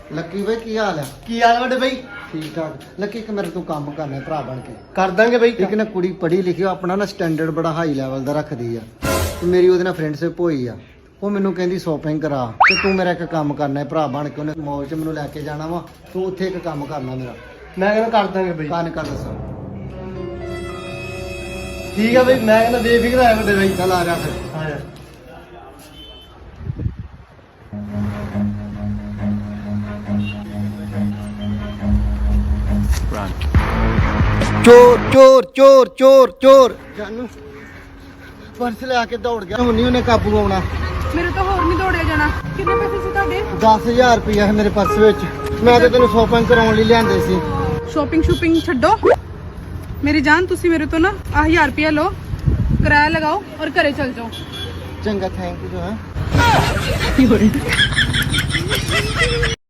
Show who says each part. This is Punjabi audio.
Speaker 1: ਲੱਕੀ ਬਈ ਕੀ ਹਾਲ ਆ?
Speaker 2: ਕੀ ਹਾਲ ਵੱਡੇ ਬਈ?
Speaker 1: ਠੀਕ ਠਾਕ। ਲੱਕੀ ਇੱਕ ਮੇਰੇ ਤੋਂ ਕੰਮ ਕਰਨਾ ਭਰਾ ਬਣ ਕੇ।
Speaker 2: ਕਰ ਦਾਂਗੇ ਬਈ।
Speaker 1: ਇੱਕ ਨਾ ਕੁੜੀ ਪੜ੍ਹੀ ਲਿਖੀ ਆਪਣਾ ਨਾ ਸਟੈਂਡਰਡ ਬੜਾ ਹਾਈ ਲੈਵਲ ਦਾ ਰੱਖਦੀ ਆ ਤੇ ਮੇਰੀ ਉਹਦੇ ਨਾਲ ਫਰੈਂਡਸ਼ਿਪ ਹੋਈ ਆ। ਉਹ ਮੈਨੂੰ ਕਹਿੰਦੀ ਸ਼ੋਪਿੰਗ ਕਰਾ ਤੇ ਤੂੰ ਮੇਰਾ ਇੱਕ ਕੰਮ ਕਰਨਾ ਹੈ ਭਰਾ ਬਣ ਕੇ। ਉਹਨੇ ਮੌਲ 'ਚ ਮੈਨੂੰ ਲੈ ਕੇ ਜਾਣਾ ਵਾ, ਤੂੰ ਉੱਥੇ ਇੱਕ ਕੰਮ ਕਰਨਾ ਮੇਰਾ।
Speaker 2: ਮੈਂ ਕਹਿੰਦਾ ਕਰ ਦਾਂਗੇ ਬਈ।
Speaker 1: ਕੰਨ ਕਰ ਦੱਸਾਂ।
Speaker 2: ਠੀਕ ਆ ਬਈ, ਮੈਂ ਕਹਿੰਦਾ ਬੇਫਿਕਰ ਆ ਵੱਡੇ ਬਈ।
Speaker 1: ਚੱਲ ਆ ਜਾ ਫਿਰ।
Speaker 2: ਹਾਂ ਯਾਰ।
Speaker 1: ਚੋਰ ਚੋਰ ਚੋਰ ਚੋਰ ਚੋਰ ਜਾਨੂ ਪਰਸ ਲੈ ਕੇ ਦੌੜ ਗਿਆ। ਹੁਣ ਨਹੀਂ ਉਹਨੇ ਕਾਬੂ ਆਉਣਾ।
Speaker 3: ਮੇਰੇ ਤੋਂ ਹੋਰ ਨਹੀਂ ਦੌੜਿਆ ਜਾਣਾ। ਕਿੰਨੇ ਪੈਸੇ ਸੀ ਤੁਹਾਡੇ?
Speaker 1: 10,000 ਰੁਪਇਆ ਹੈ ਮੇਰੇ ਪਰਸ ਵਿੱਚ। ਮੈਂ ਤੇ ਤੈਨੂੰ ਸ਼ੋਪਿੰਗ ਕਰਾਉਣ ਲਈ ਲਿਆਂਦੇ ਸੀ।
Speaker 3: ਸ਼ੋਪਿੰਗ ਛੱਡੋ ਮੇਰੀ ਜਾਨ। ਤੁਸੀਂ ਮੇਰੇ ਤੋਂ ਨਾ 1000 ਰੁਪਇਆ ਲਓ, ਕਿਰਾਇਆ ਲਗਾਓ ਔਰ ਘਰੇ ਚਲ ਜਾਓ।
Speaker 1: ਚੰਗਾ, ਥੈਂਕ ਯੂ।